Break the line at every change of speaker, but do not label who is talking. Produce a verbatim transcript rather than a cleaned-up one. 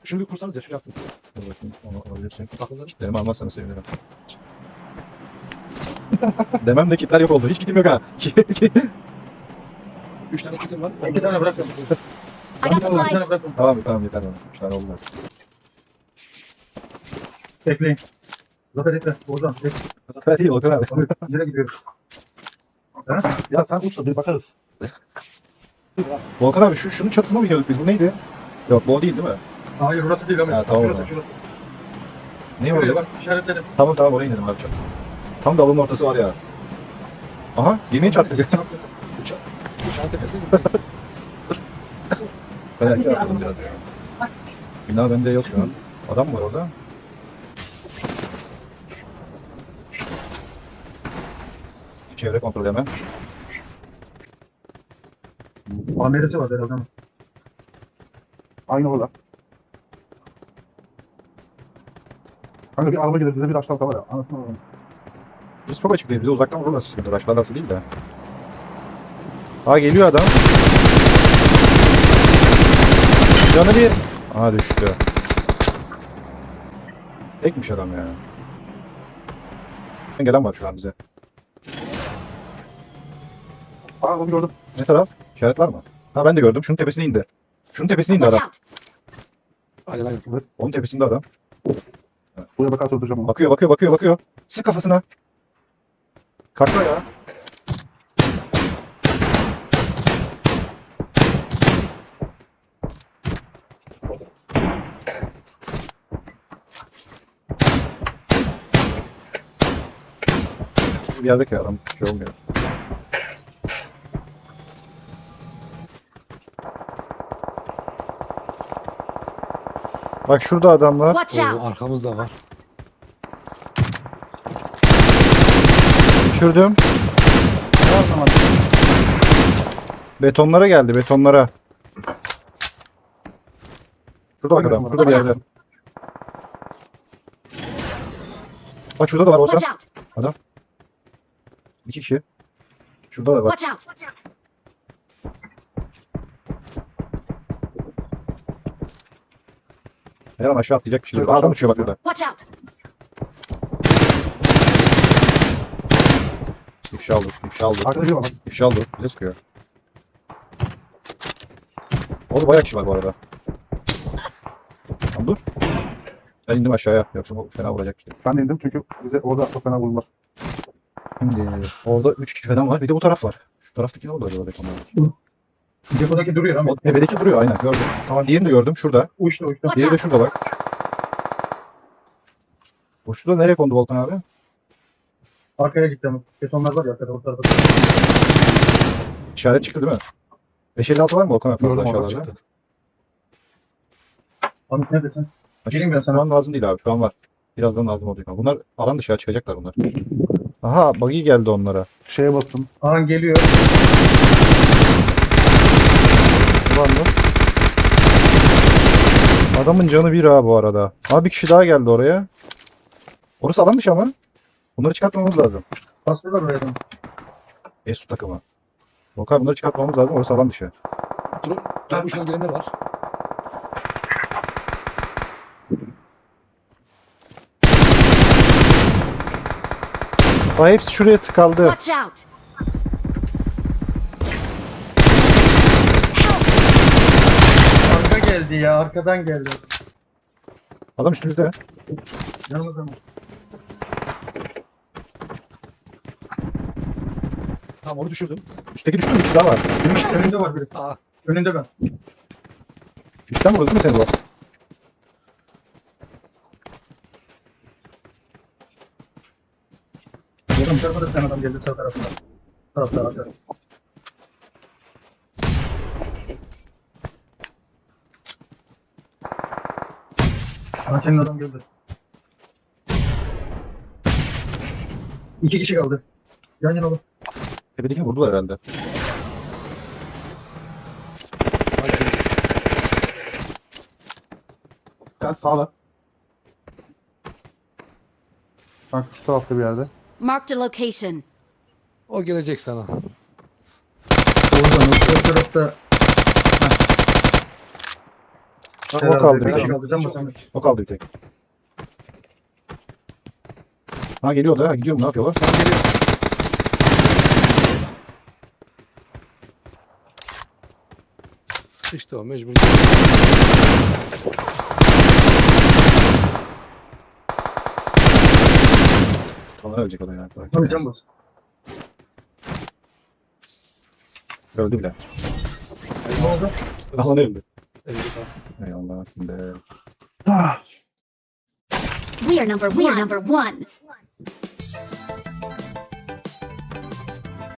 Şunu bir kursanız ya şu yaptım.
Dur bakayım onu alabilirsin.
Aklınıza.
Kitlerimi almazsanız sevinirim. Demem de kitler yok oldu. Hiç kitim yok ha.
Üç tane kitim var.
İki tane bırakın.
I got
Bir tane
supplies.
bırakın.
Tamam tamam yeter bana. Üç tane oldu.
Bekleyin. Zafer ekle. Ozan. Bekle.
Zafer değil Volkan abi.
Nereye gidiyoruz?
Ya sen usta bir bakarız.
Volkan abi şu şunun çatısına mı gidiyorduk biz? Bu neydi? Yok bu o değil değil mi?
Hayır burası değil ama.
Ha, tamam.
Şurası şurası.
Ne
Şuraya
orada?
bak işaretledim.
Tamam tamam oraya inelim abi çatısına. Tam da avlunun ortası var ya. Aha gemiye çarptık.
Uçak. Uçağın tepesine mi?
Ben erken atladım biraz ya. Bina bende yok şu an. Adam mı var orada? Çevre kontrol hemen.
Amiresi var herhalde. ama.
Aynı orada. Kanka bir araba gelir bize bir aşağıda var ya. Anasını alalım.
Biz çok açık değil. Bize uzaktan vururlar sıkıntı. Raşlarlarsa değil de. Aa geliyor adam. Canı bir. Aha düştü. Tekmiş adam ya. Gelen var şu an bize.
Aa onu gördüm.
Ne taraf? İşaret var mı? Ha ben de gördüm. Şunun tepesine indi. Şunun tepesine indi
Watch
adam.
out.
Aynen aynen. Evet.
Onun tepesinde adam.
Buraya bakarsa öldüreceğim onu.
Bakıyor bakıyor bakıyor bakıyor. Sık kafasına. Kalkma ya. Bir yerde ki adam şey olmuyor. Bak şurada adamlar.
Watch
Oo,
out.
arkamızda var.
Düşürdüm.
Ne zaman?
Betonlara geldi betonlara. Şurada bak adam. Şurada bir
Watch
yerde. Bak şurada da var olsa.
Watch out.
İki kişi. Şurada da var.
Watch out.
Her an aşağı atlayacak bir şey. Aa, adam uçuyor bak burada.
Watch out.
İfşa oldu. İfşa oldu.
Arkada bir var.
İfşa oldu. Bize sıkıyor. Orada bayağı kişi var bu arada. Tamam dur. Ben indim aşağıya. Yoksa bu fena vuracak işte.
Ben de indim çünkü bize orada çok fena vururlar.
Şimdi orada üç kişi falan var. Bir de bu taraf var. Şu taraftaki ne oldu acaba betonlardaki?
Depodaki duruyor ama.
O tepedeki duruyor aynen gördüm. Tamam diğerini de gördüm şurada.
Uçtu uçtu.
Watch
Diğeri de
out.
şurada bak. O şurada nereye kondu Volkan abi?
Arkaya gitti ama. Betonlar var ya arkada. O tarafa.
İşaret çıktı değil mi? beş elli altı var mı Volkan abi fazla
Gördüm, orada
aşağılarda?
çıktı.
Hamit neredesin?
Ha, şu,
Geleyim ben sana.
şu an lazım değil abi. Şu an var. Birazdan lazım olacak. ama. Bunlar alan dışarı çıkacaklar bunlar. Aha buggy geldi onlara.
Şeye bastım.
Ahan geliyor.
Ulanmaz. Adamın canı bir ha bu arada. Abi bir kişi daha geldi oraya. Orası alan dışı ama. Bunları çıkartmamız lazım.
Bastılar oraya. da.
Esu takımı. Volkan bunları çıkartmamız lazım. Orası alan dışı.
Dur. Dur uçtan gelenler var.
Aa, hepsi şuraya tıkaldı.
Watch out.
Arka geldi ya. Arkadan geldi.
Adam üstümüzde.
Yanımızda mı?
Tamam onu düşürdüm.
Üstteki düştü mü? Bir kişi daha var.
Önünde var biri.
Aa.
Önünde ben.
Üstten vurdu değil mi seni bu?
Yakın tarafa da bir tane adam geldi sağ tarafına. Tarafta arka. Aha senin adam geldi. İki kişi kaldı. Yan yana bak.
Tepedekini vurdular herhalde.
Sen sağla. Bak şu tarafta bir yerde.
Marked a location.
O gelecek sana.
Oradan o tarafta.
o
Herhalde
kaldı bir
bir kişi
tek.
kaldı. Can basan.
O kaldı bir tek. Ha geliyor da ha gidiyor mu ne yapıyorlar? Ha, geliyor.
Sıkıştı o mecbur.
Ona ölecek o da yani.
Abi can bas.
Öldü bile.
Ne oldu?
Aha ne öldü?
elli kaldı.
Eyvallah aslında.
Ah.
We are number we are number one.